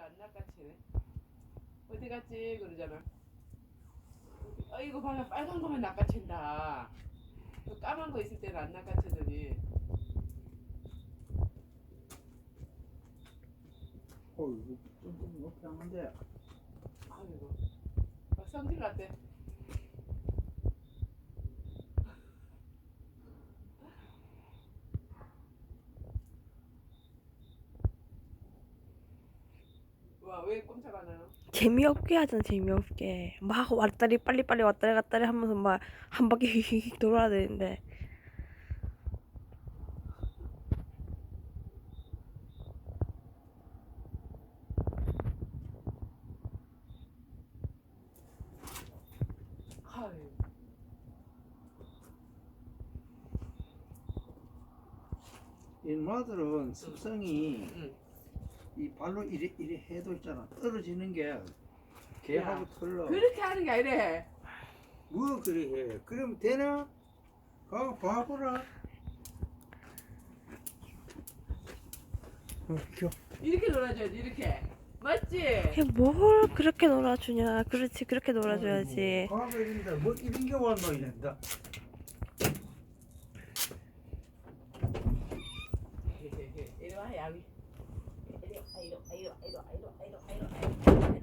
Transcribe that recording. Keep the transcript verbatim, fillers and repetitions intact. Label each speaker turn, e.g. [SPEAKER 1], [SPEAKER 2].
[SPEAKER 1] 안 낚아채네. 어디 갔지 그러잖아. 어 이거 봐라 빨간 거만 낚아챈다. 그 까만 거 있을 때는 안 낚아채더니.
[SPEAKER 2] 어 이거 좀 높이 하는데.
[SPEAKER 1] 아이고 막 성질 났대. 와 왜 꼼짝 안 하노?
[SPEAKER 3] 재미없게 하잖아 재미없게 막 왔다리 빨리빨리 왔다리 갔다리 하면서 막 한 바퀴 휙휙 돌아야 되는데
[SPEAKER 1] 아유.
[SPEAKER 2] 이 마들은 습성이
[SPEAKER 1] 응.
[SPEAKER 2] 이 발로 이래 이래 해도 있잖아. 떨어지는 게 개하고
[SPEAKER 1] 야,
[SPEAKER 2] 틀려.
[SPEAKER 1] 그렇게 하는 게 아니래.
[SPEAKER 2] 뭐 그래 해? 그러면 되나? 가 봐보라. 어, 귀여워.
[SPEAKER 1] 이렇게 놀아줘야지 이렇게. 맞지?
[SPEAKER 3] 그냥 뭘 그렇게 놀아주냐 그렇지 그렇게 놀아줘야지
[SPEAKER 2] 가가 이런다. 뭐 이런 게 왔노 이런다.
[SPEAKER 1] 이리 와 야위. 이리 와 이리 와 이리 와 이리 와 이리 와 이리 와.